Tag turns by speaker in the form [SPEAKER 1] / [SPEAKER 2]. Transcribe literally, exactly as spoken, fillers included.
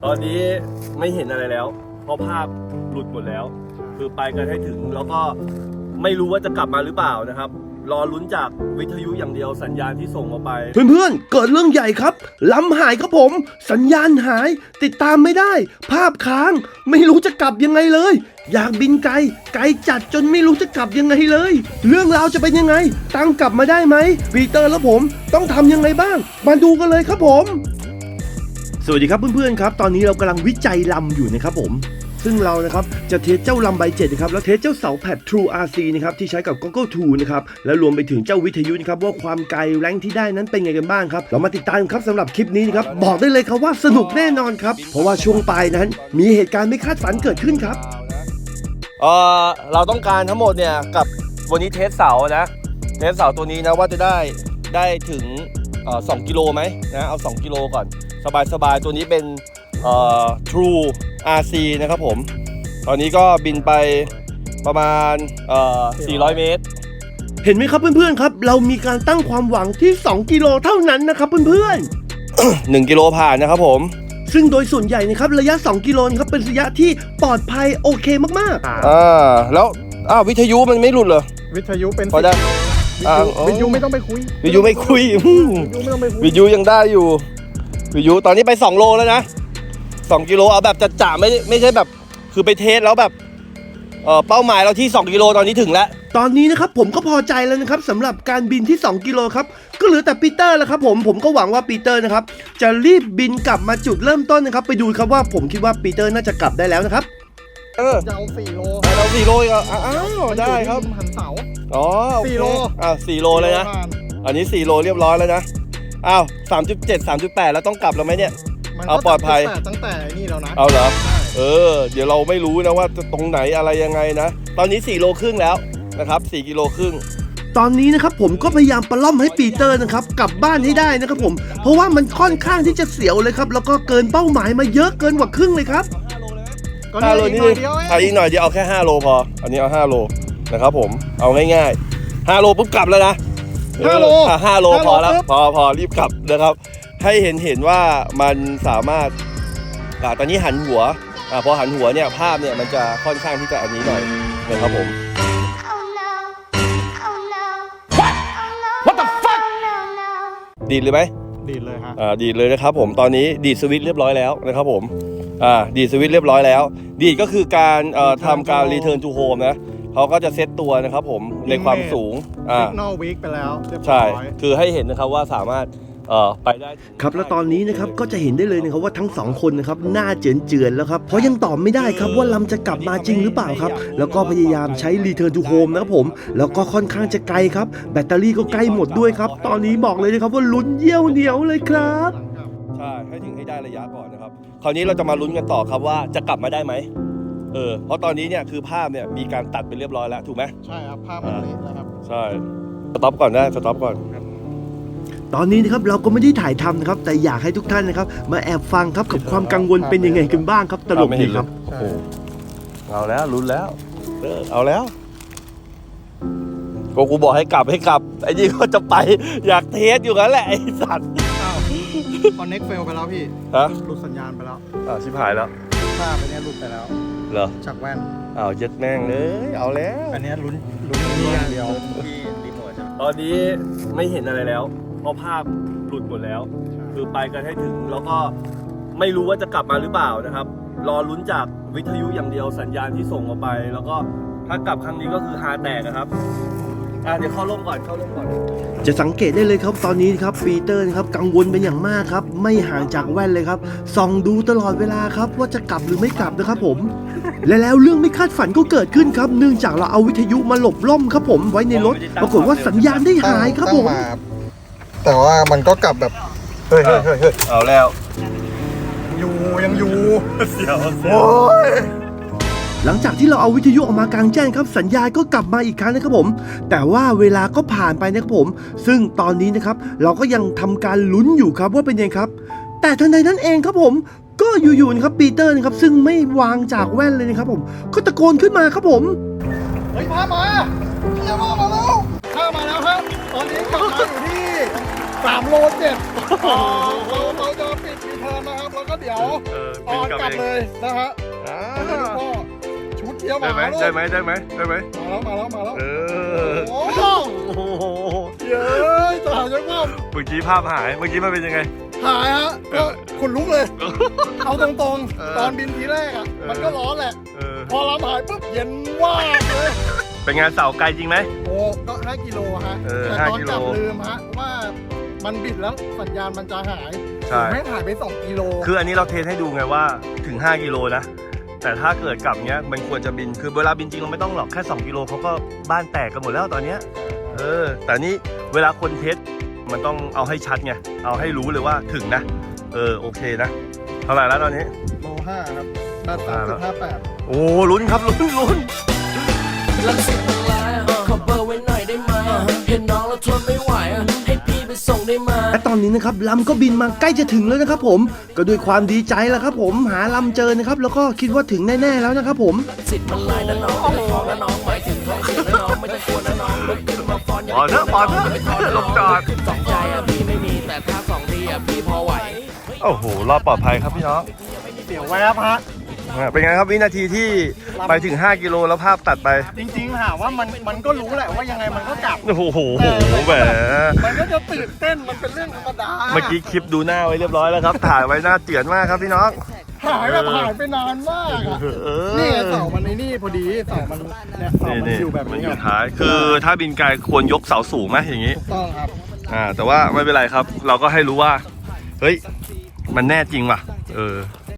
[SPEAKER 1] ตอนนี้ไม่เห็นอะไรแล้วเพราะภาพหลุดหมดแล้วคือไปกันให้ถึงแล้วก็ไม่รู้ว่าจะกลับมาหรือเปล่านะครับรอลุ้นจากวิทยุอย่างเดียวสัญญาณที่ส่งออกไป
[SPEAKER 2] เพื่อนๆเกิดเรื่องใหญ่ครับลำหายครับผมสัญญาณหายติดตามไม่ได้ภาพค้างไม่รู้จะกลับยังไงเลยอยากบินไกลไกลจัดจนไม่รู้จะกลับยังไงเลยเรื่องราวจะเป็นยังไงตั้งกลับมาได้ไหมปีเตอร์และผมต้องทำยังไงบ้างมาดูกันเลยครับผมสวัสดีครับเพื่อนๆครับตอนนี้เรากำลังวิจัยลำอยู่นะครับผมซึ่งเรานะครับจะเทสเจ้าลำใบเจ็ดนะครับแล้วเทสเจ้าเสาแผด True อาร์ ซี นะครับที่ใช้กับ Google ทู นะครับแล้วรวมไปถึงเจ้าวิทยุนะครับว่าความไกลแรงที่ได้นั้นเป็นไงกันบ้างครับเรามาติดตามครับสำหรับคลิปนี้นะครับบอกได้เลยครับว่าสนุกแน่นอนครับเพราะว่าช่วงปลายนั้นมีเหตุการณ์ไม่คาดฝันเกิดขึ้นครับ
[SPEAKER 1] เออเราต้องการทั้งหมดเนี่ยกับวันนี้เทสเสานะเทสเสาตัวนี้นะว่าจะได้ได้ถึงเอ่อสองกิโลไหมนะเอาสองกิโลก่อนสบายๆตัวนี้เป็นเอ่อ True อาร์ ซี นะครับผมตอนนี้ก็บินไปประมาณเอ่อสี่ร้อยเมตร
[SPEAKER 2] เห็นไหมครับเพื่อนๆครับเรามีการตั้งความหวังที่สองกิโลเท่านั้นนะครับเพื่อน
[SPEAKER 1] ๆ หนึ่งกิโลผ่านนะครับผม
[SPEAKER 2] ซึ่งโดยส่วนใหญ่นะครับระยะสองกิโลครับเป็นระยะที่ปลอดภัยโอเคมาก
[SPEAKER 1] ๆอ่าแล้วอ้าววิทยุมันไม่หลุดเหรอ
[SPEAKER 3] วิทยุเป็น
[SPEAKER 1] พอได้
[SPEAKER 3] วิทยุไม่ต้องไปคุย
[SPEAKER 1] วิทยุไม่คุยวิทยุยังได้อยู่วิทยุตอนนี้ไปสองโลแล้วนะสองกิโลเอาแบบจัดจ่าไม่ไม่ใช่แบบคือไปเทสแล้วแบบเอ่อเป้าหมายเราที่สองกิโลตอนนี้ถึงแล้ว
[SPEAKER 2] ตอนนี้นะครับผมก็พอใจแล้วนะครับสำหรับการบินที่สองกิโลครับก็เหลือแต่ปีเตอร์แล้วครับผมผมก็หวังว่าปีเตอร์นะครับจะรีบบินกลับมาจุดเริ่มต้นนะครับไปดูครับว่าผมคิดว่าปีเตอร์น่าจะกลับได้แล้วนะครับ
[SPEAKER 1] เออ
[SPEAKER 3] จะเอาสี่โล
[SPEAKER 1] เราสี่โลก็อ้าวได้ครับ
[SPEAKER 3] หันเสา
[SPEAKER 1] อ๋อ
[SPEAKER 3] สี่โล
[SPEAKER 1] อ้าวสี่โลเลยนะอันนี้สี่โลเรียบร้อยแล้วนะอ้าวสามจุดเจ็ด สามจุดแปดแล้วต้องกลับแล้วไหมเนี่ยเอาปลอดภัย
[SPEAKER 3] ตั้งแต่นี่แล้วนะ
[SPEAKER 1] เอาเหรอเออเดี๋ยวเราไม่รู้นะว่าตรงไหนอะไรยังไงนะตอนนี้สี่โลครึ่งแล้วนะครับสี่กิโลครึ่ง
[SPEAKER 2] ตอนนี้นะครับผมก็พยายามปล้อมให้ปีเตอร์นะครับกลับบ้านให้ได้นะครับผมเพราะว่ามันค่อนข้างที่จะเสียวเลยครับแล้วก็เกินเป้าหมายมาเยอะเกินกว่าครึ่งเลยครับ
[SPEAKER 1] ห้าโลนี่เอาอีกหน่อยเดียวเอาแค่ห้าโลพออันนี้เอาห้าโลนะครับผมเอาง่ายๆห้าโลปุ๊บกลับแล้วนะ
[SPEAKER 3] ห้าโล
[SPEAKER 1] ห้าโลพอแล้วพอพอรีบกลับนะครับให้เห็นเห็นว่ามันสามารถอ่าตอนนี้หันหัวอ่าพอหันหัวเนี่ยภาพเนี่ยมันจะค่อนข้างที่จะอันนี้หน่อยนะครับผม What the fuck ดีดเลยไหม
[SPEAKER 3] ดีดเลยฮะ
[SPEAKER 1] อ่าดีดเลยนะครับผมตอนนี้ดีดสวิตช์เรียบร้อยแล้วนะครับผมอ่าดีดสวิตช์เรียบร้อยแล้วดีดก็คือการเอ่อทำการ return to home นะเขาก็จะเซตตัวนะครับผมในความสูง
[SPEAKER 3] อ่า signal weak ไปแล้ว
[SPEAKER 1] ใช่คือให้เห็นนะครับว่าสามารถเอ่อไปได้
[SPEAKER 2] ครับแล้วตอนนี้นะครับก็จะเห็นได้เลยนะครับว่าทั้งสองคนนะครับหน้าเจือนๆแล้วครับเพราะยังตอบไม่ได้ครับว่าลำจะกลับมาจริงหรือเปล่าครับแล้วก็พยายามใช้ return to home นะครับผมแล้วก็ค่อนข้างจะไกลครับแบตเตอรี่ก็ใกล้หมดด้วยครับตอนนี้บอกเลยนะครับว่าลุ้นเยี่ยวเหนียวเลยครับ
[SPEAKER 1] ใช่ให้ถึงให้ได้ระยะก่อนนะครับคราวนี้เราจะมาลุ้นกันต่อครับว่าจะกลับมาได้ไหมเออเพราะตอนนี้เนี่ยคือภาพเนี่ยมีการตัดไปเรียบร้อยแล้วถูกไหม
[SPEAKER 3] ใช่ครับภาพมันเละแล้วครับ
[SPEAKER 1] ใช่สต็อปก่อนได้สต็อปก่อน
[SPEAKER 2] ตอนนี้นะครับเราก็ไม่ได้ถ่ายทำนะครับแต่อยากให้ทุกท่านนะครับมาแอบฟังครับกับความกังวลเป็นยังไงกันบ้างครับตลกดีครับ
[SPEAKER 1] โอ้โหเอาแล้วลุ้นแล้วเออเอาแล้วก็กูบอกให้กลับให้กลับไอ้นี่ก็จะไปอยากเทสอยู่กันแหละไอ้สัตว์
[SPEAKER 3] คอนเน็กเฟลไปแล้วพี่
[SPEAKER 1] ฮะ
[SPEAKER 3] หลุดสัญญาณไปแล้ว
[SPEAKER 1] อ่าชิบหายแล้ว
[SPEAKER 3] ภาพอันนี้หลุดไปแล้ว
[SPEAKER 1] เหรอ
[SPEAKER 3] จากแว่น
[SPEAKER 1] อ้าวเจ็ดแม่งเลยเอาแล้ว
[SPEAKER 3] อันนี้ลุ้นลุ้นนี่อย่างเดียว
[SPEAKER 1] ที่รีโมทตอนนี้ไม่เห็นอะไรแล้วเพราะภาพหลุดหมดแล้วคือไปกันให้ถึงแล้วก็ไม่รู้ว่าจะกลับมาหรือเปล่านะครับรอลุ้นจากวิทยุอย่างเดียวสัญญาณที่ส่งออกไปแล้วก็ถ้ากลับครั้งนี้ก็คือฮาแตกนะครับอ่ะเดี๋ยวเข้าร่มก่อนเข้าร่มก่อน
[SPEAKER 2] จะสังเกตได้เลยครับตอนนี้ครับปีเตอร์นะครับกังวลเป็นอย่างมากครับไม่ห่างจากแว่นเลยครับส่องดูตลอดเวลาครับว่าจะกลับหรือไม่กลับนะครับผมและแล้วเรื่องไม่คาดฝันก็เกิดขึ้นครับเนื่องจากเราเอาวิทยุมาหลบร่มครับผมไว้ในรถปรากฏว่าสัญญาณได้หายครับผม
[SPEAKER 3] แต่ว่ามันก็กลับแบบเฮ้ยเฮ้ยเฮ้ย
[SPEAKER 1] เอาแล้ว
[SPEAKER 3] อยู่ยังอยู่
[SPEAKER 1] เสียวเสียว
[SPEAKER 3] โอ้ย
[SPEAKER 2] หลังจากที่เราเอาวิทยุออกมากลางแจ้งครับสัญญาณก็กลับมาอีกครั้งนะครับผมแต่ว่าเวลาก็ผ่านไปนะครับผมซึ่งตอนนี้นะครับเราก็ยังทำการลุ้นอยู่ครับว่าเป็นยังไงครับแต่ทันใดนั้นเองครับผมก็อยู่ๆนะครับปีเตอร์นะครับซึ่งไม่วางจากแว่นเลยนะครับผมก็ตะโกนขึ้นมาครับผม
[SPEAKER 3] เฮ้ยพามาเยี่ยมมาแล้วข้ามาแล้วครับตอนนี้กลับมาอยู่ที่สามโลเจ็ดเราเราจะปิดรีเทินินนะครับแล้วก็เดี๋ยว
[SPEAKER 1] เออ
[SPEAKER 3] ออนกลับเลยนะฮะ
[SPEAKER 1] อ่า
[SPEAKER 3] แล้วก็ชุดเที่ยว
[SPEAKER 1] ได้
[SPEAKER 3] มา
[SPEAKER 1] ไหม
[SPEAKER 3] แล้ว
[SPEAKER 1] ได้ไหมได้ไหมได้ไหม
[SPEAKER 3] มาแล้วมาแล้วมาแล้ว
[SPEAKER 1] เออ
[SPEAKER 3] โอ้โห
[SPEAKER 1] โอ้โห
[SPEAKER 3] เย้ยตายจังว่า
[SPEAKER 1] เมื่อกี้ภาพหายเมื่อกี้มันเป็นยังไง
[SPEAKER 3] หายฮะก็ขนลุกเลย เอาตรง
[SPEAKER 1] เออ
[SPEAKER 3] ๆ ตอนบินทีแรกอ่ะ
[SPEAKER 1] เออ
[SPEAKER 3] มันก็ร้อนแหละ
[SPEAKER 1] เออ
[SPEAKER 3] พอลำหายปุ๊บเย็นว่ากเลย
[SPEAKER 1] เป็นงานเสาไกลจริงไหม
[SPEAKER 3] โอ้ก็ห้ากิโลฮะ
[SPEAKER 1] เออ
[SPEAKER 3] แต่
[SPEAKER 1] ห้า
[SPEAKER 3] ตอน
[SPEAKER 1] กิโล
[SPEAKER 3] กลับลืมฮะว่ามันบิดแล้วสัญญาณมันจะหาย
[SPEAKER 1] ใช่
[SPEAKER 3] แม่งหายไปสองกิโล
[SPEAKER 1] คืออันนี้เราเทสให้ดูไงว่าถึงห้ากิโลนะ แต่ถ้าเกิดกลับเนี้ยมันควรจะบิน คือเวลาบินจริงเราไม่ต้องหรอกแค่สองกิโลเขาก็บ้านแตกกันหมดแล้วตอนเนี้ย เออ แต่นี่เวลาคนเทสมันต้องเอาให้ชัดไง เอาให้รู้เลยว่าถึงนะ เออโอเคนะ เท่าไหร่แล้วตอนนี้
[SPEAKER 3] โลห้าครับแปดสามจุดห้าแปด
[SPEAKER 1] โอ้ลุ้นครับลุ้นลุ้น
[SPEAKER 4] ลังสิตมันร้ายอ่ะขอเบอร์ไว้หน่อยได้ไหมอ่ะเห็นน้องแล้วทนไม่ไหวอ่ะให้พี่ไปส่งได้ไหม
[SPEAKER 2] และตอนนี้นะครับลำก็บินมาใกล้จะถึงแล้วนะครับผมก็ด้วยความดีใจแล้วครับผมหาลำเจอนะครับแล้วก็คิดว่าถึงแน่ๆแล้วนะครับผม
[SPEAKER 4] สิทธิ์มันลายนะน้องไม่ต้องท้องนะน้องหมายถึงท้องสิทธิ์นะน้องไม่ต้องกลัวนะน้องลุกขึ้นมาฟ้อนอย่า
[SPEAKER 1] ปอดเถอะปอดเถอะ
[SPEAKER 4] ไปท้องนะ
[SPEAKER 1] ล
[SPEAKER 4] น้อง
[SPEAKER 1] งจอด
[SPEAKER 4] สองใจอ่ะพี่ไม่มีแต่ถ้าสองทีอ่ะพี่พอไหว
[SPEAKER 1] โอ้โหรอดปลอดภัยครับพี่น้อง
[SPEAKER 3] เดี๋ยวแวบฮะ
[SPEAKER 1] อ่ะเป็นไงครับวินาทีที่ไปถึงห้ากิโลแล้วภาพตัดไป
[SPEAKER 3] จริงๆถามว่ามันมันก็รู้แหละว่ายังไงมันก็กลับ
[SPEAKER 1] โอ้โหแหม
[SPEAKER 3] มันก็จะตื่นเต้นมันเป็นเรื่องธรรมดา
[SPEAKER 1] เมื่อกี้คลิปดูหน้าไว้เรียบร้อยแล้วครับ ถ่ายไว้หน้าเจือนมากครับพี่น้อง
[SPEAKER 3] หายแบบหายไปนานมากอะ
[SPEAKER 1] เออ
[SPEAKER 3] นี่ไงเสามันในนี่พอดีเสามันเนี่ยเสา
[SPEAKER 1] นี่
[SPEAKER 3] มัน
[SPEAKER 1] นี่
[SPEAKER 3] อยู่แบบ
[SPEAKER 1] มัน
[SPEAKER 3] นี้
[SPEAKER 1] อยู่
[SPEAKER 3] ไง
[SPEAKER 1] ท้าย คือถ้าบินไกลควรยกเสาสูงไหมอย่างนี้
[SPEAKER 3] ถูกต้องครับ
[SPEAKER 1] อ่า แต่ว่าไม่เป็นไรครับ เราก็ให้รู้ว่า เฮ้ย มันแน่จริงว่ะ เออ